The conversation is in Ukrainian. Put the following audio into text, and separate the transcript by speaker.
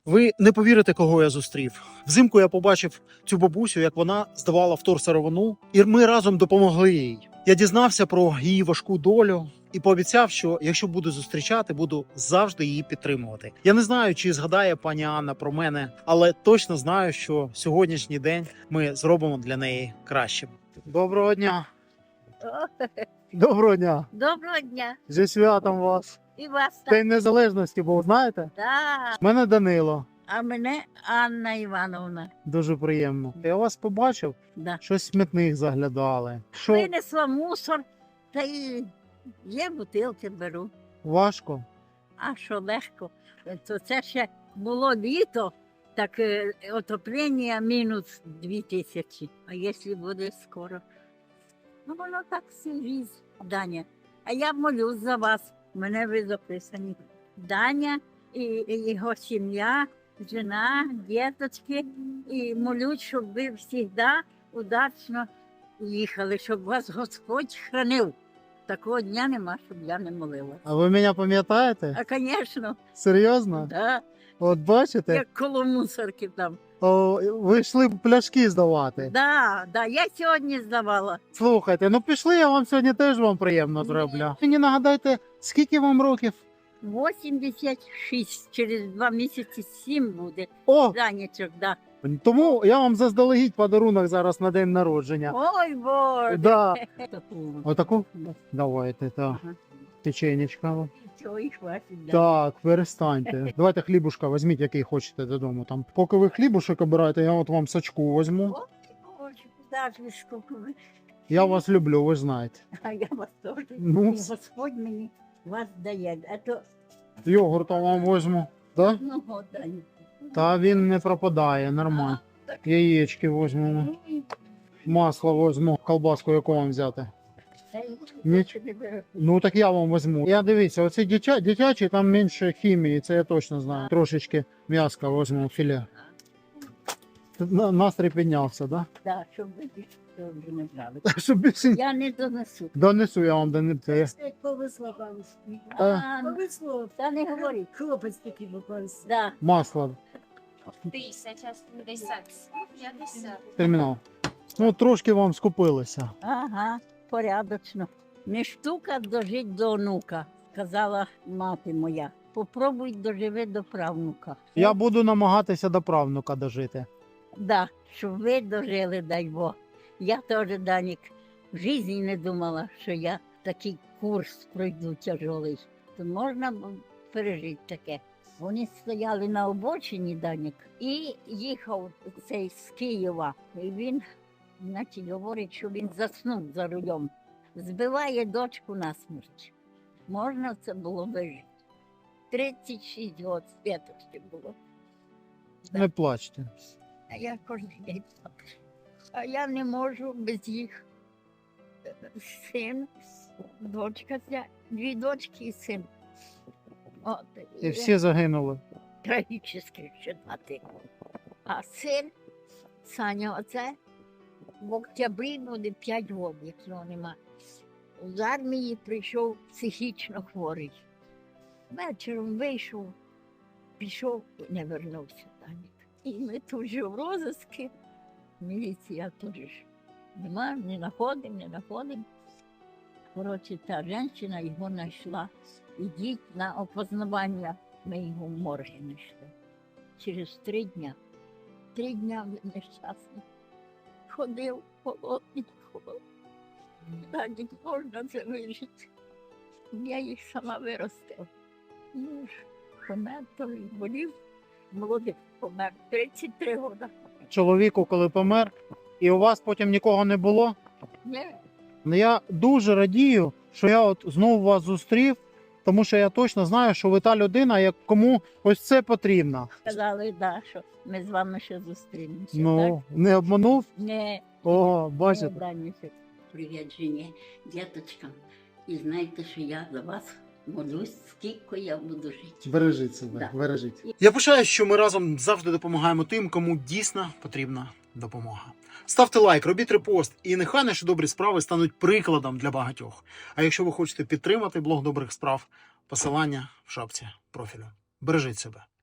Speaker 1: Ви не повірите, кого я зустрів. Взимку я побачив цю бабусю, як вона здавала вторсировину, і ми разом допомогли їй. Я дізнався про її важку долю і пообіцяв, що якщо буду зустрічати, буду завжди її підтримувати. Я не знаю, чи згадає пані Анна про мене, але точно знаю, що сьогоднішній день ми зробимо для неї кращим. Доброго дня! Доброго дня!
Speaker 2: Доброго дня.
Speaker 1: Зі святом вас!
Speaker 2: І вас так.
Speaker 1: День Незалежності був, знаєте?
Speaker 2: Да.
Speaker 1: Мене Данило.
Speaker 2: А мене Анна Івановна.
Speaker 1: Дуже приємно. Я вас побачив,
Speaker 2: Да.
Speaker 1: щось в смітник заглядали. Що
Speaker 2: Винесла мусор, та й є бутилки беру.
Speaker 1: важко?
Speaker 2: А що легко. То це ще було літо, так отоплення мінус 2000. А якщо буде скоро? Ну воно так всю жизнь, Даня. А я молюсь за вас. Мене ви записані. Даня і його сім'я, жена, діточки. І молюсь, щоб ви завжди удачно їхали, щоб вас Господь хранив. Такого дня нема, щоб я не молила.
Speaker 1: А ви мене пам'ятаєте?
Speaker 2: А, звісно,
Speaker 1: Серйозно?
Speaker 2: да,
Speaker 1: От бачите,
Speaker 2: як коло мусорки там.
Speaker 1: ви йшли пляшки здавати.
Speaker 2: Да, я сьогодні здавала.
Speaker 1: Слухайте, ну пішли, я вам сьогодні теж вам приємно зроблю. Мені нагадайте, скільки вам років?
Speaker 2: 86, через 2 місяці 7 буде.
Speaker 1: О,
Speaker 2: Данечок, да.
Speaker 1: тому я вам заздалегідь подарунок зараз на день народження.
Speaker 2: Ой, Боже.
Speaker 1: Да.
Speaker 2: Таку.
Speaker 1: Отаку?
Speaker 2: Да.
Speaker 1: Давайте, так.
Speaker 2: Ага.
Speaker 1: Печенечка.
Speaker 2: Цього і хватить, да.
Speaker 1: Так, перестаньте. Давайте хлібушка візьміть, який хочете додому. Там. Поки ви хлібушок обираєте, я от вам сачку візьму.
Speaker 2: Ой, Боже, куди ж ви скільки ви?
Speaker 1: Я вас люблю, ви ж знаєте.
Speaker 2: А я вас теж.
Speaker 1: Ну.
Speaker 2: І Господь мені вас дає. А то,
Speaker 1: Йогурта вам візьму. Да?
Speaker 2: ну, от, Даня.
Speaker 1: Та він не пропадає, нормально.
Speaker 2: Так.
Speaker 1: Яєчки візьмемо.
Speaker 2: Ой,
Speaker 1: Масло візьму. Колбаску яку вам взяти.
Speaker 2: та й
Speaker 1: Ніч.
Speaker 2: не беру.
Speaker 1: Ну так я вам візьму. Я дивіться, оці дитячі, там менше хімії, це я точно знаю. Трошечки м'яска візьму, філе. Настрій піднявся, да?
Speaker 2: Да, щоб ви більше цього вже не брали.
Speaker 1: Щоб більше
Speaker 2: Я не донесу.
Speaker 1: донесу я вам донесу.
Speaker 3: Повезло бабусі.
Speaker 2: А,
Speaker 3: Повезло.
Speaker 2: та не говоріть.
Speaker 3: Хлопець такий попався.
Speaker 2: Да.
Speaker 1: Масло.
Speaker 4: 50.
Speaker 1: Термінал. Ну, трошки вам скупилися.
Speaker 2: Ага, порядочно. Не штука дожить до онука, казала мати моя. Попробуй доживи до правнука.
Speaker 1: Я буду намагатися до правнука дожити.
Speaker 2: Да, щоб ви дожили, дай Бог. Я теж, Данік, в житті не думала, що я такий курс пройду тяжелий. То можна пережити таке. Вони стояли на обочині, Данік, і їхав цей з Києва. І він, значить, говорить, що він заснув за рулем. Збиває дочку на смерть. Можна це було вижити. 36 років святості було.
Speaker 1: Не плачте.
Speaker 2: А я кожен день плачу. А я не можу без їх. Син, дочка, 2 дочки і син. От,
Speaker 1: І всі загинули.
Speaker 2: трагічно ще 2 тижні. А син, Саня, оце в октябрі буде 5 років, як його нема. З армії прийшов психічно хворий. Вечором вийшов, пішов і не вернувся. Данік. І ми тут же в розиску, міліція тут же ж нема, не знаходимо. Коротше, та жінка його знайшла. Ідіть на опознавання. Ми його в морги знайшли. Через 3 дня. 3 дня він нещасний. Ходив холодний. Данік, можна це вижити. Я їх сама виростила. Ну ж, помер, то він болів. Молодий помер, 33 роки.
Speaker 1: Чоловіку, коли помер, і у вас потім нікого не було.
Speaker 2: Не,
Speaker 1: Ну, я дуже радію, що я от знову вас зустрів, тому що я точно знаю, що ви та людина, кому ось це потрібно.
Speaker 2: сказали, да, що ми з вами ще зустрінемося.
Speaker 1: Ну, не обманув?
Speaker 2: Так? Не,
Speaker 1: О,
Speaker 2: не
Speaker 1: бачите.
Speaker 2: Данюся. Привіт, жені, діточкам. І знаєте, що я за вас молюсь, скільки я буду жити.
Speaker 1: Бережіть себе,
Speaker 2: Да.
Speaker 1: бережіть. Я пишаюсь, що ми разом завжди допомагаємо тим, кому дійсно потрібна допомога. Ставте лайк, робіть репост, і нехай наші добрі справи стануть прикладом для багатьох. А якщо ви хочете підтримати блог добрих справ, посилання в шапці профілю. Бережіть себе.